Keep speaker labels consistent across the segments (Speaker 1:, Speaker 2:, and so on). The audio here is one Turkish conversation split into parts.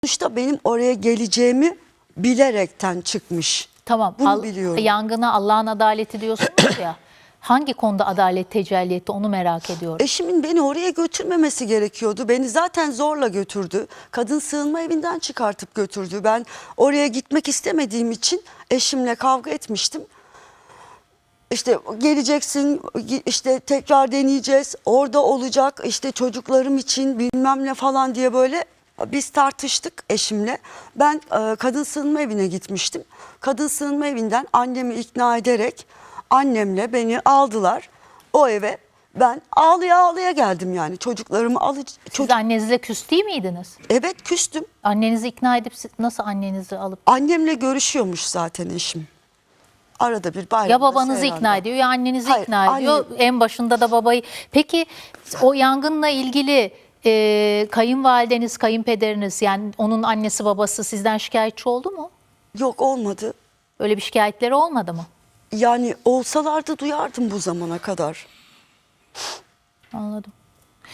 Speaker 1: Sonuçta benim oraya geleceğimi bilerekten çıkmış.
Speaker 2: Tamam.
Speaker 1: Bunu biliyorum.
Speaker 2: Yangına Allah'ın adaleti diyorsunuz ya. Hangi konuda adalet tecelli etti onu merak ediyorum.
Speaker 1: Eşimin beni oraya götürmemesi gerekiyordu. Beni zaten zorla götürdü. Kadın sığınma evinden çıkartıp götürdü. Ben oraya gitmek istemediğim için eşimle kavga etmiştim. İşte geleceksin, işte tekrar deneyeceğiz, orada olacak, işte çocuklarım için bilmem ne falan diye böyle biz tartıştık eşimle. Ben kadın sığınma evine gitmiştim. Kadın sığınma evinden annemi ikna ederek annemle beni aldılar o eve. Ben ağlaya ağlaya geldim yani çocuklarımı
Speaker 2: Siz annenizle küs değil miydiniz?
Speaker 1: Evet, küstüm.
Speaker 2: Annenizi ikna edip nasıl annenizi alıp...
Speaker 1: Annemle görüşüyormuş zaten eşim. Arada bir bayramda,
Speaker 2: Ya babanızı
Speaker 1: seyranda.
Speaker 2: ikna ediyor ya annenizi
Speaker 1: Hayır,
Speaker 2: ikna ediyor. En başında da babayı. Peki o yangınla ilgili kayınvalideniz, kayınpederiniz, yani onun annesi babası sizden şikayetçi oldu mu?
Speaker 1: Yok, olmadı.
Speaker 2: Öyle bir şikayetleri olmadı mı?
Speaker 1: Yani olsalardı duyardım bu zamana kadar.
Speaker 2: Anladım.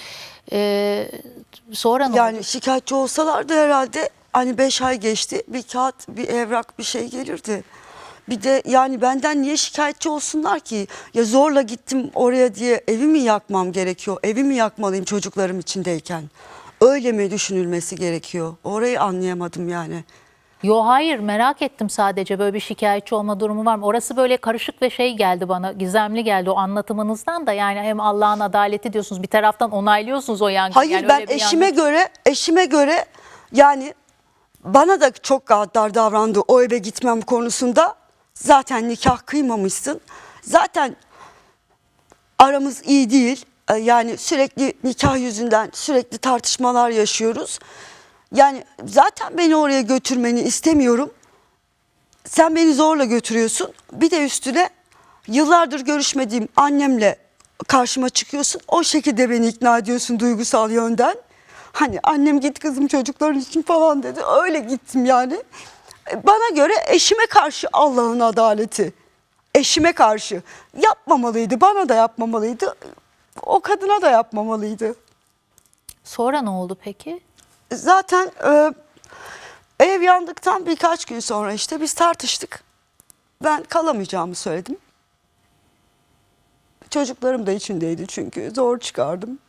Speaker 2: Sonra ne
Speaker 1: Yani
Speaker 2: oldu?
Speaker 1: şikayetçi olsalardı herhalde hani 5 ay geçti, bir kağıt, bir evrak, bir şey gelirdi. Bir de yani benden niye şikayetçi olsunlar ki? Ya zorla gittim oraya diye evi mi yakmam gerekiyor? Evi mi yakmalıyım çocuklarım içindeyken? Öyle mi düşünülmesi gerekiyor? Orayı anlayamadım yani.
Speaker 2: Yo, hayır, merak ettim sadece, böyle bir şikayetçi olma durumu var mı? Orası böyle karışık ve şey geldi bana, gizemli geldi o anlatımınızdan da. Yani hem Allah'ın adaleti diyorsunuz, bir taraftan onaylıyorsunuz o yangını.
Speaker 1: Hayır,
Speaker 2: yani
Speaker 1: ben
Speaker 2: öyle bir
Speaker 1: eşime göre yani bana da çok gaddar davrandı o eve gitmem konusunda. Zaten nikah kıymamışsın. Zaten aramız iyi değil. Yani sürekli nikah yüzünden sürekli tartışmalar yaşıyoruz. Yani zaten beni oraya götürmeni istemiyorum. Sen beni zorla götürüyorsun. Bir de üstüne yıllardır görüşmediğim annemle karşıma çıkıyorsun. O şekilde beni ikna ediyorsun duygusal yönden. Hani annem git kızım çocukların için falan dedi. Öyle gittim yani. Bana göre eşime karşı Allah'ın adaleti. Eşime karşı yapmamalıydı. Bana da yapmamalıydı. O kadına da yapmamalıydı.
Speaker 2: Sonra ne oldu peki?
Speaker 1: Zaten ev yandıktan birkaç gün sonra işte biz tartıştık. Ben kalamayacağımı söyledim. Çocuklarım da içindeydi çünkü zor çıkardım.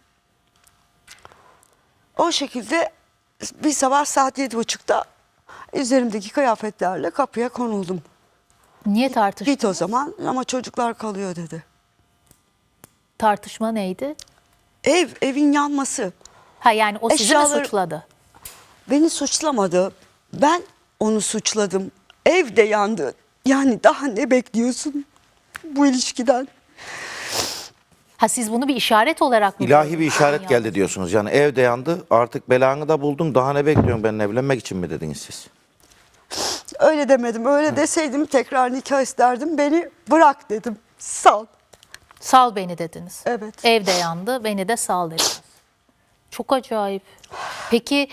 Speaker 1: O şekilde bir sabah saat 7.30'da üzerimdeki kıyafetlerle kapıya konuldum.
Speaker 2: Niye tartışma?
Speaker 1: Git o zaman ama çocuklar kalıyor dedi.
Speaker 2: Tartışma neydi?
Speaker 1: Evin yanması.
Speaker 2: Ha, yani o sizi mi
Speaker 1: Eşyaları-
Speaker 2: suçladı?
Speaker 1: Beni suçlamadı. Ben onu suçladım. Ev de yandı. Yani daha ne bekliyorsun bu ilişkiden?
Speaker 2: Ha, siz bunu bir işaret olarak mı
Speaker 3: İlahi
Speaker 2: gördünüz?
Speaker 3: bir işaret
Speaker 2: Yani
Speaker 3: geldi diyorsunuz. Yani ev de yandı, artık belanı da buldun, daha ne bekliyorsun benimle evlenmek için mi dediniz siz?
Speaker 1: Öyle demedim. Öyle deseydim tekrar nikah isterdim. Beni bırak dedim. Sal.
Speaker 2: Sal beni dediniz.
Speaker 1: Evet.
Speaker 2: Ev de yandı, beni de sal dediniz. Çok acayip. Peki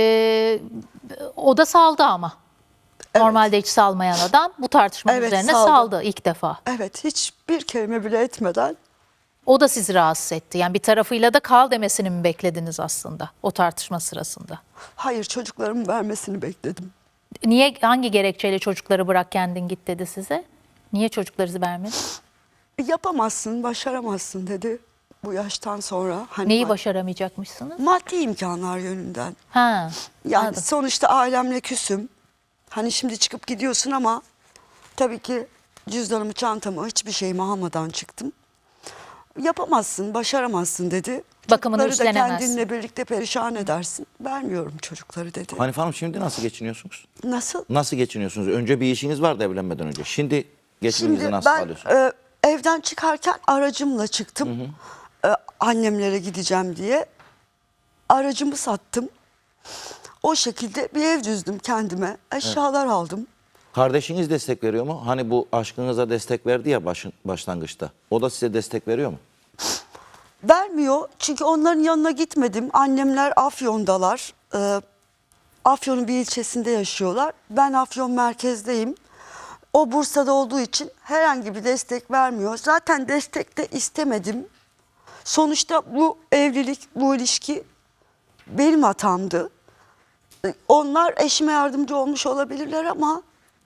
Speaker 2: o da saldı ama. Normalde hiç salmayan adam bu tartışmanın
Speaker 1: Evet,
Speaker 2: üzerine
Speaker 1: saldı.
Speaker 2: saldı ilk defa.
Speaker 1: Evet, hiçbir kelime bile etmeden.
Speaker 2: O da sizi rahatsız etti. Yani bir tarafıyla da kal demesini mi beklediniz aslında o tartışma sırasında?
Speaker 1: Hayır, çocuklarımı vermesini bekledim.
Speaker 2: Niye, hangi gerekçeyle çocukları bırak kendin git dedi size? Niye çocukları vermedi?
Speaker 1: Yapamazsın, başaramazsın dedi bu yaştan sonra. Hani
Speaker 2: Neyi başaramayacakmışsınız?
Speaker 1: maddi imkanlar yönünden.
Speaker 2: Ha,
Speaker 1: Yani
Speaker 2: anladım.
Speaker 1: sonuçta ailemle küsüm. Hani şimdi çıkıp gidiyorsun ama tabii ki cüzdanımı, çantamı, hiçbir şeyimi almadan çıktım. Yapamazsın, başaramazsın dedi.
Speaker 2: Bakımını
Speaker 1: Çocukları da
Speaker 2: üstlenemezsin.
Speaker 1: kendinle birlikte perişan edersin. Vermiyorum çocukları dedi.
Speaker 3: Hanife Hanım, şimdi nasıl geçiniyorsunuz?
Speaker 1: Nasıl?
Speaker 3: Nasıl geçiniyorsunuz? Önce bir işiniz vardı evlenmeden önce. Şimdi geçiminizi
Speaker 1: Şimdi
Speaker 3: nasıl
Speaker 1: ben
Speaker 3: sağlıyorsunuz?
Speaker 1: evden çıkarken aracımla çıktım. Annemlere gideceğim diye. Aracımı sattım. O şekilde bir ev düzdüm kendime. Eşyalar aldım.
Speaker 3: Kardeşiniz destek veriyor mu? Hani bu aşkınıza destek verdi ya başlangıçta. O da size destek veriyor mu?
Speaker 1: Vermiyor çünkü onların yanına gitmedim. Annemler Afyon'dalar. Afyon'un bir ilçesinde yaşıyorlar. Ben Afyon merkezdeyim. O Bursa'da olduğu için herhangi bir destek vermiyor. Zaten destek de istemedim. Sonuçta bu evlilik, bu ilişki benim hatamdı. onlar eşime yardımcı olmuş olabilirler ama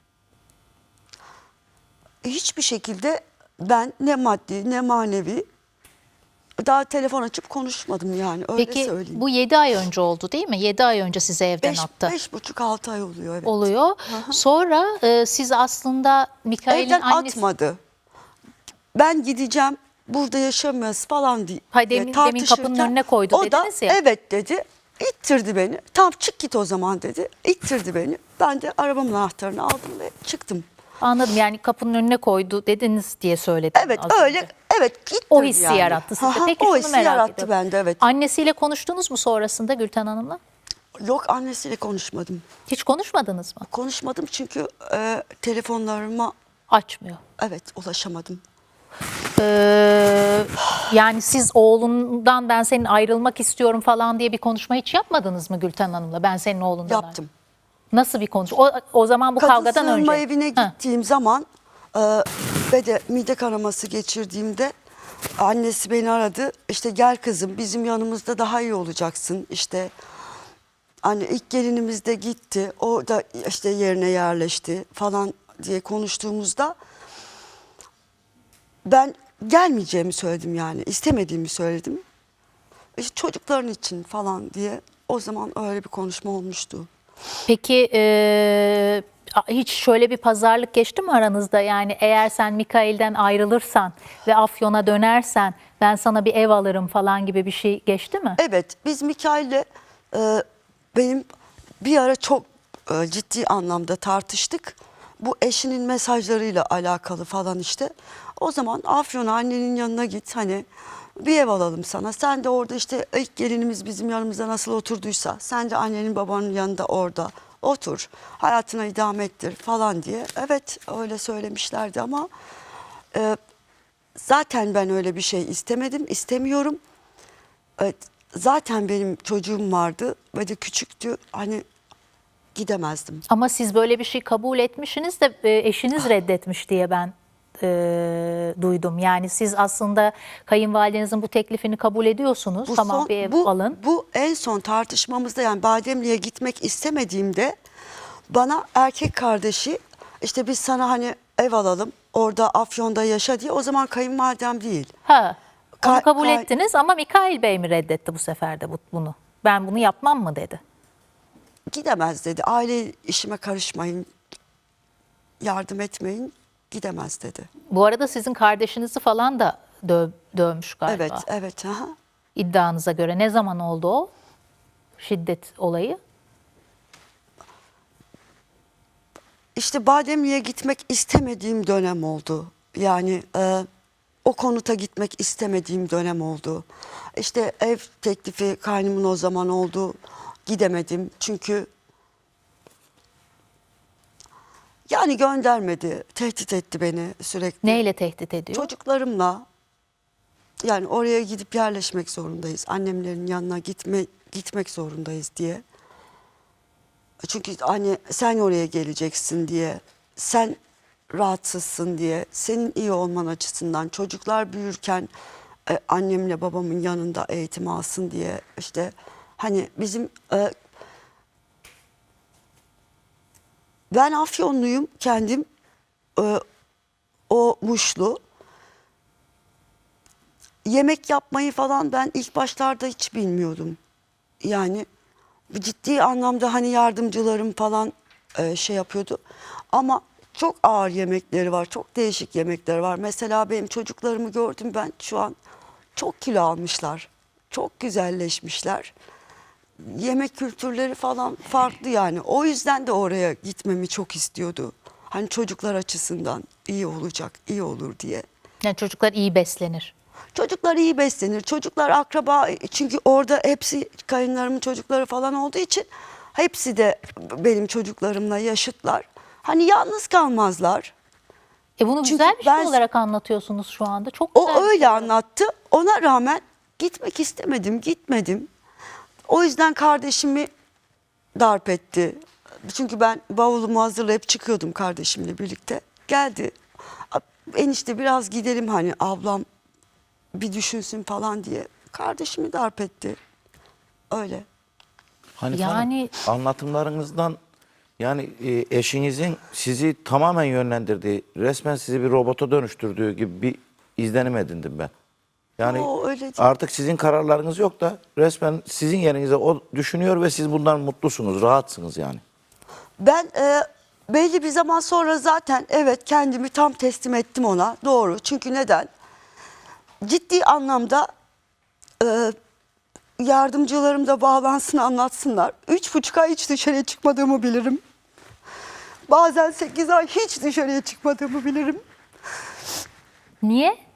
Speaker 1: hiçbir şekilde ben ne maddi ne manevi daha telefon açıp konuşmadım yani, öyle
Speaker 2: Peki
Speaker 1: söyleyeyim.
Speaker 2: bu 7 ay önce oldu değil mi? 7 ay önce size evden attı.
Speaker 1: 5,5-6 ay oluyor, evet.
Speaker 2: Oluyor. Sonra siz aslında Mikail'in
Speaker 1: Evden
Speaker 2: annesi...
Speaker 1: atmadı. Ben gideceğim, burada yaşamıyoruz falan diye
Speaker 2: Hayır, demin
Speaker 1: tartışırken
Speaker 2: kapının önüne koydu
Speaker 1: o da
Speaker 2: dediniz ya.
Speaker 1: evet dedi. İttirdi beni. Tam çık git o zaman dedi. İttirdi beni. Ben de arabamın anahtarını aldım ve çıktım.
Speaker 2: Anladım, yani kapının önüne koydu dediniz diye söyledim.
Speaker 1: Evet
Speaker 2: az
Speaker 1: öyle,
Speaker 2: önce.
Speaker 1: evet ittirdi
Speaker 2: O hissi
Speaker 1: yani.
Speaker 2: yarattı sizde.
Speaker 1: Aha,
Speaker 2: Peki
Speaker 1: o
Speaker 2: şunu
Speaker 1: hissi
Speaker 2: merak
Speaker 1: yarattı
Speaker 2: ediyorum.
Speaker 1: bende, evet.
Speaker 2: Annesiyle konuştunuz mu sonrasında Gülten Hanım'la?
Speaker 1: Yok, annesiyle konuşmadım.
Speaker 2: Hiç konuşmadınız mı?
Speaker 1: Konuşmadım çünkü telefonlarıma
Speaker 2: Açmıyor.
Speaker 1: evet ulaşamadım.
Speaker 2: Yani siz oğlundan ben senin ayrılmak istiyorum falan diye bir konuşma hiç yapmadınız mı Gülten Hanım'la? Ben senin oğlundan
Speaker 1: Yaptım.
Speaker 2: Nasıl bir konuşma? O zaman bu
Speaker 1: Kadın
Speaker 2: kavgadan önce.
Speaker 1: sığınma evine
Speaker 2: Ha.
Speaker 1: gittiğim zaman ve de mide kanaması geçirdiğimde annesi beni aradı. İşte gel kızım, bizim yanımızda daha iyi olacaksın. İşte hani ilk gelinimiz de gitti. O da işte yerine yerleşti falan diye konuştuğumuzda ben gelmeyeceğimi söyledim yani. İstemediğimi söyledim. İşte çocukların için falan diye o zaman öyle bir konuşma olmuştu.
Speaker 2: Peki hiç şöyle bir pazarlık geçti mi aranızda? Yani eğer sen Mikail'den ayrılırsan ve Afyon'a dönersen ben sana bir ev alırım falan gibi bir şey geçti mi?
Speaker 1: Evet, biz Mikail'le benim bir ara çok ciddi anlamda tartıştık. Bu eşinin mesajlarıyla alakalı falan işte. O zaman Afyon'a annenin yanına git, hani bir ev alalım sana. Sen de orada işte ilk gelinimiz bizim yanımızda nasıl oturduysa sen de annenin babanın yanında orada otur. Hayatına idame ettir falan diye. Evet, öyle söylemişlerdi ama zaten ben öyle bir şey istemedim, istemiyorum. Evet, zaten benim çocuğum vardı ve de küçüktü. Hani gidemezdim.
Speaker 2: Ama siz böyle bir şey kabul etmişsiniz de eşiniz reddetmiş diye ben duydum. Yani siz aslında kayınvalidenizin bu teklifini kabul ediyorsunuz. Tamam, bir ev alın.
Speaker 1: Bu en son tartışmamızda, yani Bademli'ye gitmek istemediğimde bana erkek kardeşi işte biz sana hani ev alalım orada Afyon'da yaşa diye, o zaman kayınvalidem değil.
Speaker 2: Ha, onu
Speaker 1: Ka-
Speaker 2: kabul
Speaker 1: ka-
Speaker 2: ettiniz ama Mikail Bey mi reddetti bu sefer de bunu? Ben bunu yapmam mı dedi.
Speaker 1: Gidemez dedi. Aile işime karışmayın, yardım etmeyin, gidemez dedi.
Speaker 2: Bu arada sizin kardeşinizi falan da dövmüş galiba.
Speaker 1: Evet, evet. Aha.
Speaker 2: İddianıza göre. Ne zaman oldu o şiddet olayı?
Speaker 1: İşte Bademli'ye gitmek istemediğim dönem oldu. Yani o konuta gitmek istemediğim dönem oldu. İşte ev teklifi kaynımın o zaman oldu. Gidemedim çünkü yani göndermedi. Tehdit etti beni sürekli.
Speaker 2: Neyle tehdit ediyor?
Speaker 1: Çocuklarımla, yani oraya gidip yerleşmek zorundayız. Annemlerin yanına gitmek zorundayız diye. Çünkü hani sen oraya geleceksin diye, sen rahatsızsın diye, senin iyi olman açısından, çocuklar büyürken annemle babamın yanında eğitim alsın diye, işte hani bizim ben Afyonluyum kendim, o Muşlu. Yemek yapmayı falan ben ilk başlarda hiç bilmiyordum. Yani ciddi anlamda hani yardımcılarım falan şey yapıyordu. Ama çok ağır yemekleri var, çok değişik yemekleri var. Mesela benim çocuklarımı gördüm ben, şu an çok kilo almışlar, çok güzelleşmişler. Yemek kültürleri falan farklı yani. O yüzden de oraya gitmemi çok istiyordu. Hani çocuklar açısından iyi olacak, iyi olur diye.
Speaker 2: Yani çocuklar iyi beslenir.
Speaker 1: Çocuklar iyi beslenir. Çocuklar akraba, çünkü orada hepsi kayınlarımın çocukları falan olduğu için hepsi de benim çocuklarımla yaşıtlar. Hani yalnız kalmazlar.
Speaker 2: Bunu
Speaker 1: Çünkü
Speaker 2: güzel bir şey
Speaker 1: ben-
Speaker 2: olarak anlatıyorsunuz şu anda. Çok güzel.
Speaker 1: O öyle anlattı. Ona rağmen gitmek istemedim, gitmedim. O yüzden kardeşimi darp etti. Çünkü ben bavulumu hazırlayıp çıkıyordum kardeşimle birlikte. Geldi. Enişte biraz gidelim, hani ablam bir düşünsün falan diye. Kardeşimi darp etti. Öyle.
Speaker 3: Hanife Hanım,
Speaker 2: Yani
Speaker 3: anlatımlarınızdan yani eşinizin sizi tamamen yönlendirdiği, resmen sizi bir robota dönüştürdüğü gibi bir izlenim edindim ben. Yani
Speaker 1: Yo, öyle değil.
Speaker 3: artık sizin kararlarınız yok da resmen sizin yerinize o düşünüyor ve siz bundan mutlusunuz, rahatsınız yani.
Speaker 1: Ben belli bir zaman sonra zaten evet kendimi tam teslim ettim ona. Doğru. Çünkü neden? Ciddi anlamda yardımcılarım da bağlansın anlatsınlar. 3,5 ay hiç dışarıya çıkmadığımı bilirim. Bazen 8 ay hiç dışarıya çıkmadığımı bilirim.
Speaker 2: niye?